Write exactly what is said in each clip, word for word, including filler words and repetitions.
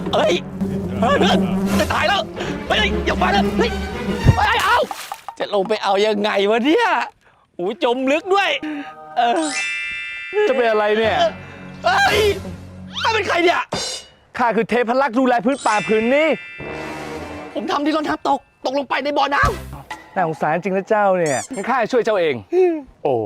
เฮ้ยเฮ้ยเพื่อนจะตายแล้วเฮ้ยอย่ามาเลยเฮ้ยไปเอาจะลงไปเอายังไงวะเนี่ยโอ้จมลึกด้วยเออจะเป็นอะไรเนี่ยเฮ้ยข้าเป็นใครเนี่ยข้าคือเทพลักษ์ดูแลพื้นป่าพื้นนี้ผมทำที่รองเท้าตกตกลงไปในบ่อน้ำน่าสงสารจริงนะเจ้าเนี่ยงั้นข้าช่วยเจ้าเองโอ้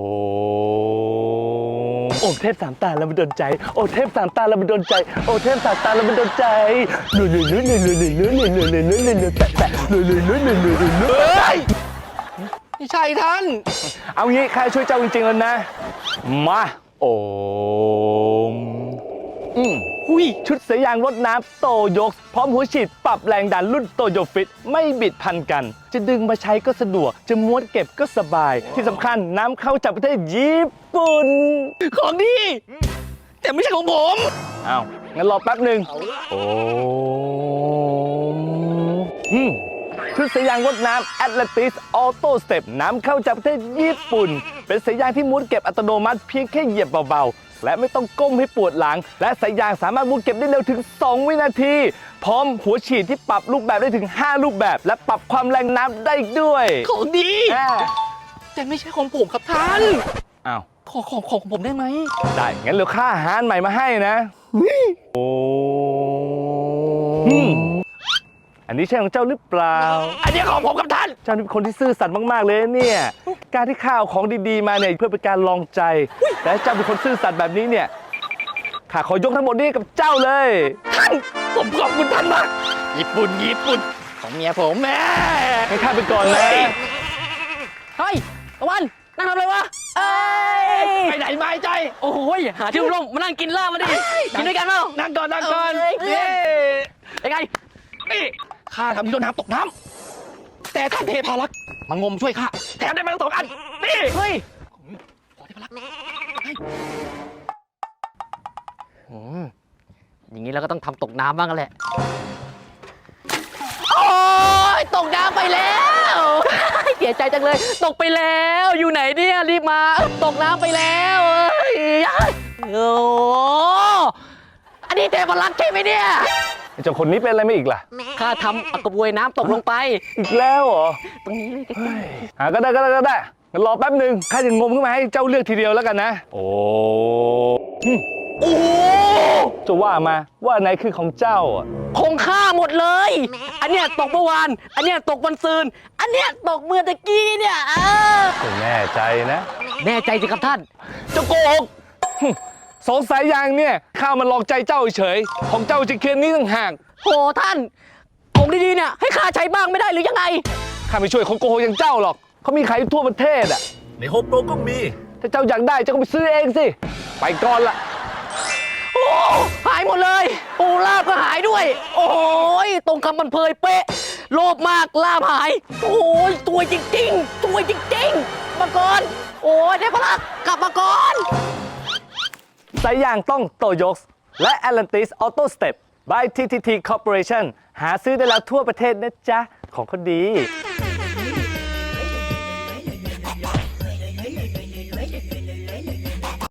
โอ้เทพสามตาแล้วมันโดนใจโอ้เทพสามตาแล้วมันโดนใจโอ้เทพสามตาแล้วมันโดนใจลุยลุยลุยลุยลุยลุยลุยลุยลุยลุยลุยลุยลุยแปะแปะลุยลุยลุยลุยลุยลุยลุยไม่ใช่ท่านเอางี้ข้าช่วยเจ้าจริงๆแล้วนะมาโอ้อืมหุยชุดเสยางรดน้ำโตโยกพร้อมหัวฉีดปรับแรงดันรุ่นโตโยฟิตไม่บิดพันกันจะดึงมาใช้ก็สะดวกจะม้วนเก็บก็สบายที่สำคัญน้ำเข้าจากประเทศญี่ปุ่นของดีแต่ไม่ใช่ของผมอ้าวงั้นรอแป๊บหนึ่งโอ้อืมชุดสายยางรดน้ำ Atlantis Auto Step น้ำเข้าจากประเทศญี่ปุ่นเป็นสายยางที่ม้วนเก็บอัตโนมัติเพียงแค่เหยียบเบาๆและไม่ต้องก้มให้ปวดหลังและสายยางสามารถม้วนเก็บได้เร็วถึงสองวินาทีพร้อมหัวฉีดที่ปรับรูปแบบได้ถึงห้ารูปแบบและปรับความแรงน้ำได้ด้วยของดีแต่ไม่ใช่ของผมครับท่านอ้าวขอของของผมได้ไหมได้งั้นเดี๋ยวข้าหาอันใหม่มาให้นะโอ้อันนี้ใช่ของเจ้าหรือเปล่าอันนี้ของผมกับท่านเจ้าเป็นคนที่ซื่อสัตย์มากๆเลยเนี่ยการที่ข้าวของดีๆมาเนี่ยเพื่อเป็นการลองใจแต่เจ้าเป็นคนซื่อสัตย์แบบนี้เนี่ยข้าขอยกทั้งหมดนี้กับเจ้าเลยท่านผมขอบคุณท่านมากญี่ปุ่นญี่ปุ่นของเมียผมแม่ให้ข้าไปก่อนนะเฮ้ยตะวันนั่งทำอะไรวะเอ้ยไปไหนไม่ใจโอ้ยหาที่ร่มมานั่งกินเหล้ามาดิกินด้วยกันเปล่านั่งก่อนนั่งก่อนเย้ยังไงนี่ข้าทำที่โดนน้ำตกน้ำแต่ท่านเทพารักษ์มางมช่วยข้าแถมได้มาสองอันนี่เฮ้ยขอเทพารักษ์อย่างนี้เราก็ต้องทำตกน้ำบ้างกันแหละโอ้ยตกน้ำไปแล้วเสียใจจังเลยตกไปแล้วอยู่ไหนเนี่ยรีบมาตกน้ำไปแล้วโอ้อันนี้เทพรักษ์ใช่ไหมเนี่ยเจ้าคนนี้เป็นอะไรไม่อีกล่ะข้าทำกระบวยน้ำตกลงไปอีกแล้วเหรอตรงนี้เลยหาก็ได้ก็ได้ก็ได้งั้นรอแป๊บหนึ่งข้าจะงมขึ้นมาให้เจ้าเลือกทีเดียวแล้วกันนะโอ้โอ้จะว่ามาว่าไหนคือของเจ้าอ่ะของข้าหมดเลยอันเนี้ยตกเมื่อวานอันเนี้ยตกวันซืนอันเนี้ยตกเมื่อตะกี้เนี่ยเออแน่ใจนะแน่ใจสิครับท่านเจ้าโกหกสองสายยางเนี่ยข้ามันหลอกใจเจ้าเฉยของเจ้าจะเคียนนี้ต่างหากโหท่านของดีๆเนี่ยให้ข้าใช้บ้างไม่ได้หรือยังไงข้าไม่ช่วยคนโกหกอย่างเจ้าหรอกเขามีขายทั่วประเทศอ่ะในโฮมโปรก็มีถ้าเจ้าอยากได้เจ้าก็ไปซื้อเองสิไปก่อนละโอ้หายหมดเลยโอ้ลาบก็หายด้วยโอ้ยตรงคำมันเพยเป๊ะโลภมากลาบหายโอ้ยตัวจริงๆตัวจริงๆมาก่อนโอ้ยเทพรักษ์กลับมาก่อนสายยางต้องโตโยกและ Atlantis Auto Step by ที ที ที Corporation หาซื้อได้แล้วทั่วประเทศนะจ๊ะของเขาดี